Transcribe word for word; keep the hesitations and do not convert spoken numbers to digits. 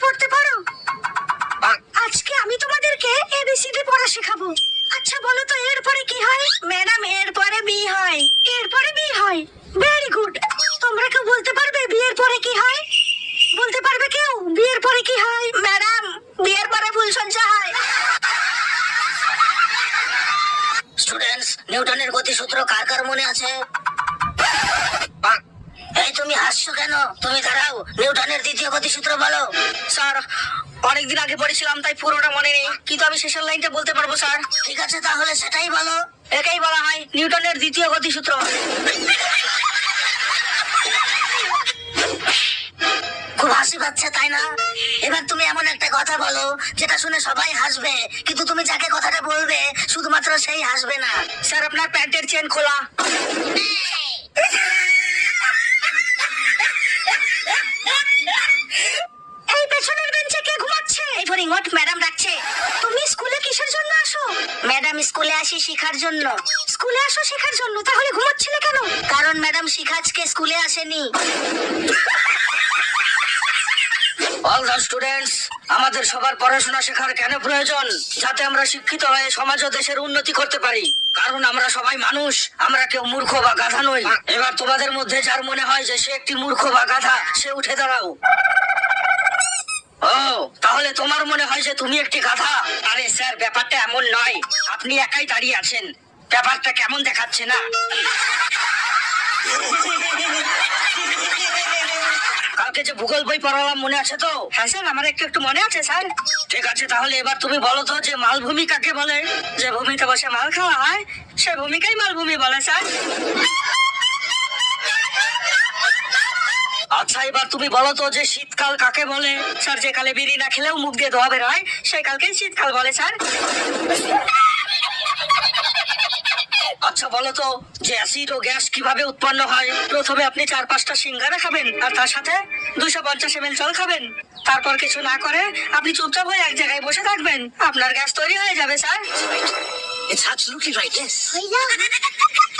পড়তে পারো? আজকে আমি তোমাদেরকে এবিসিডি পড়া শেখাবো। আচ্ছা বলো তো এরপরে কি হয়? ম্যাডাম এরপরে বি হয়। এরপরে বি হয়, ভেরি গুড। তোমরা কেউ বলতে পারবে বিয়ের পরে কি হয়? বলতে পারবে কেউ বিয়ের পরে কি হয়? ম্যাডাম বিয়ের পরে ফুলসজ্জা হয়। স্টুডেন্টস, নিউটনের গতিসূত্র কার কার মনে আছে? এই তুমি হাসছো কেন? তুমি দাঁড়াও, নিউটনের দ্বিতীয় গতিসূত্র বলো। স্যার অনেকদিন আগে পড়েছিলাম তাই পুরোটা মনে নেই, কিন্তু আমি শেষের লাইনটা বলতে পারবো স্যার। ঠিক আছে, তাহলে সেটাই বলো। একেই বলা হয় নিউটনের দ্বিতীয় গতিসূত্র। খুব হাসি পাচ্ছে তাই না? এবার তুমি এমন একটা কথা বলো যেটা শুনে সবাই হাসবে, কিন্তু তুমি যাকে কথাটা বলবে শুধুমাত্র সেই হাসবে না। স্যার আপনার প্যান্টের চেন খোলা। এই পেছনের বেঞ্চে কে ঘুমাচ্ছে? এই ফরিং হোয়াট, ম্যাডাম ডাকছে। তুমি স্কুলে কিসের জন্য আসো? ম্যাডাম স্কুলে আসি শেখার জন্য। স্কুলে আসো শেখার জন্য, তাহলে ঘুমাচ্ছিলে কেন? কারণ ম্যাডাম শিখাজকে স্কুলে আসেনি। অল দ্য স্টুডেন্টস, আমাদের সবার পড়াশোনা শেখার কেন প্রয়োজন? যাতে আমরা শিক্ষিত হয়ে সমাজ ও দেশের উন্নতি করতে পারি। কারণ আমরা সবাই মানুষ, আমরা কেউ মূর্খ বা গাধা নই। এবার তোমাদের মধ্যে যার মনে হয় যে সে একটি মূর্খ বা গাধা, সে উঠে দাঁড়াও। ও, তাহলে তোমার মনে হয় যে তুমি একটি গাধা? আরে স্যার, ব্যাপারটা এমন নয়। আপনি একাই দাঁড়িয়ে আছেন, ব্যাপারটা কেমন দেখাচ্ছে না? কালকে যে ভূগোল বই পড়ালাম মনে আছে তো? হ্যাঁ স্যার, আমার একটু একটু মনে আছে স্যার। ঠিক আছে, তাহলে এবার তুমি বলো তো যে মালভূমি কাকে বলে? যে ভূমিতে বসে মাল খাওয়া হয় সে ভূমিকেই মালভূমি বলে স্যার। আচ্ছা এবার তুমি বলো তো যে শীতকাল কাকে বলে? স্যার, যে কালে বিড়ি না খেলেও মুখ দিয়ে ধোয়া বের হয় সেই কালকেই শীতকাল বলে স্যার। আচ্ছা বলো তো যে অ্যাসিড ও গ্যাস কিভাবে উৎপন্ন হয়? প্রথমে আপনি চার পাঁচটা সিঙ্গারা খাবেন আর তার সাথে দুইশো পঞ্চাশ এম এল জল খাবেন। তারপর কিছু না করে আপনি চুপচাপ হয়ে এক জায়গায় বসে থাকবেন, আপনার গ্যাস তৈরি হয়ে যাবে sir. It's absolutely right, yes.